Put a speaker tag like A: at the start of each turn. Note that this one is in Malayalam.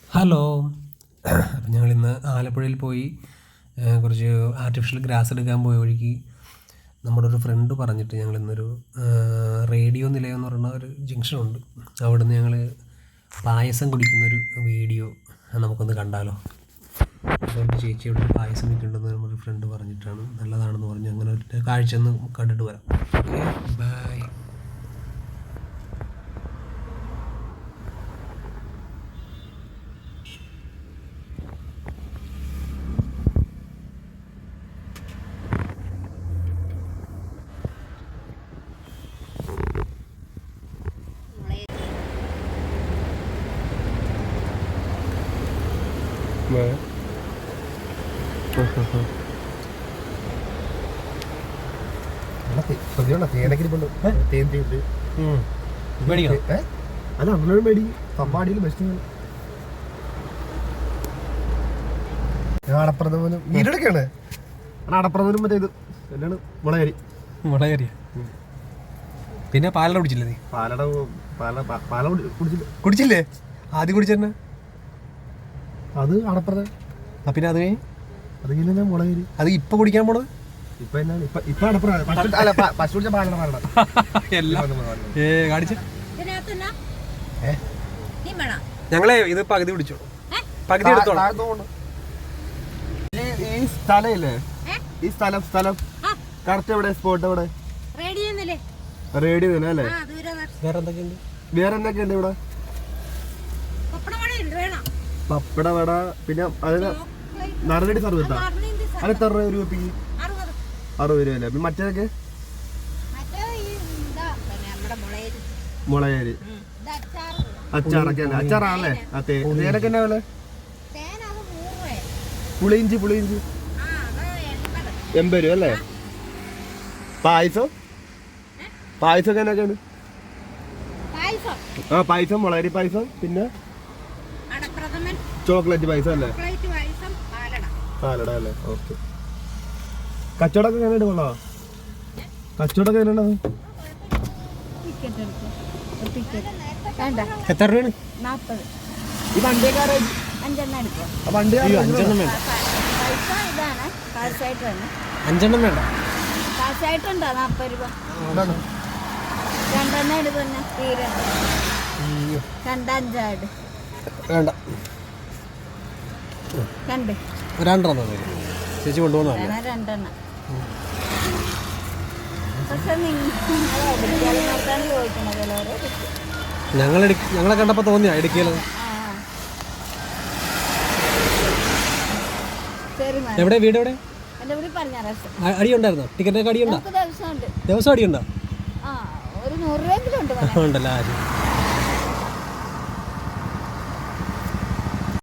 A: ഹലോ. അപ്പം ഞങ്ങളിന്ന് ആലപ്പുഴയിൽ പോയി കുറച്ച് ആർട്ടിഫിഷ്യൽ ഗ്രാസ് എടുക്കാൻ പോയ വഴിക്ക് നമ്മുടെ ഒരു ഫ്രണ്ട് പറഞ്ഞിട്ട് ഞങ്ങളിന്നൊരു റേഡിയോ നിലയം എന്ന് പറയുന്ന ഒരു ജംഗ്ഷനുണ്ട്. അവിടെ നിന്ന് ഞങ്ങൾ പായസം കുടിക്കുന്നൊരു വീഡിയോ നമുക്കൊന്ന് കണ്ടാലോ. അപ്പോൾ എൻ്റെ ചേച്ചി ഇവിടെ ഒരു പായസം വെക്കുന്നുണ്ടെന്ന് നമ്മുടെ ഫ്രണ്ട് പറഞ്ഞിട്ടാണ്, നല്ലതാണെന്ന് പറഞ്ഞു. അങ്ങനെ ഒരു കാഴ്ച ഒന്ന് കണ്ടിട്ട് വരാം. Okay, bye.
B: അല്ല നമ്മളൊരു മേടി പമ്പാടിയിൽ ബെസ്റ്റ് അടപ്രഥമനും വീടെടുക്കാണ്. അടപ്രഥമനും മറ്റേ ഇത് എന്താണ് മുളകരി.
A: പിന്നെ പാലട കുടിച്ചില്ലേ നീ?
B: പാല
A: കുടിച്ചില്ലേ? ആദ്യം കുടിച്ചെന്നെ
B: അത് അടപ്രഥമൻ.
A: പിന്നെ അത് കഴിഞ്ഞ്
B: അത് കഴിഞ്ഞാൽ മുളകരി.
A: അത് ഇപ്പൊ കുടിക്കാൻ പോണത്
B: ഇപ്പൊ എന്നാണ് ഇപ്പൊ അടപ്രഥമൻ പശു കുടിച്ച പാലട
A: കാണിച്ച. ഞങ്ങളെ ഇത് പകുതി കുടിച്ചോ, പകുതി എടുത്തോളാം.
B: ഈ സ്ഥലം ഇല്ലേ, ഈ സ്ഥലം കറക്റ്റ് എവിടെ, സ്പോട്ട് എവിടെ? റേഡിയോ തന്നെ അല്ലേ? വേറെ എന്തൊക്കെയുണ്ട് ഇവിടെ? പപ്പട വട, പിന്നെ അതിന് നറുനടി സർവത്താ. അത് എത്ര രൂപ ഒരു കുപ്പിക്ക്? 60 രൂപ അല്ലേ? മറ്റേതൊക്കെ മുളകരി അച്ചാറൊക്കെ അല്ലേ? അച്ചാറാണല്ലേ? തേനൊക്കെ എന്നാ പോലെ? പുളിയിഞ്ചി 80 രൂപ അല്ലേ? പായസമൊക്കെ എന്നൊക്കെയാണ്? പായസം മുളകരി പായസം, പിന്നെ ചോക്ലേറ്റ് പായസം അല്ലേ? പാലട അല്ലേ? ഓക്കെ. കച്ചവടമൊക്കെ എങ്ങനെയുണ്ട്? കൊള്ളാം. കച്ചവടമൊക്കെ എങ്ങനെയുള്ളത്?
A: എത്ര രൂപയാണ്?
C: 40.
B: ഈ വണ്ടിക്കാരായി വണ്ടി
A: 5 വേണ്ട.
C: കാശായിട്ടുണ്ടോ? 40 രൂപ. 2 എടുക്കുന്ന തീരെ 2
A: വേണ്ട.
C: 2
A: രണ്ടെണ്ണം ചേച്ചി കൊണ്ടുപോകുന്ന
C: 2. പക്ഷെ നിങ്ങളെ ചോദിക്കണത്
A: ഞങ്ങളെ കണ്ടപ്പോ തോന്നിയാ ഇടുക്കിയില്. എവിടെ വീട്? എവിടെ? അടിയുണ്ടായിരുന്നോ? ടിക്കറ്റൊക്കെ അടിയുണ്ടോ? ദിവസം അടിയുണ്ടോ?
C: ഒരു 100 രൂപ
A: ഉണ്ടല്ലോ.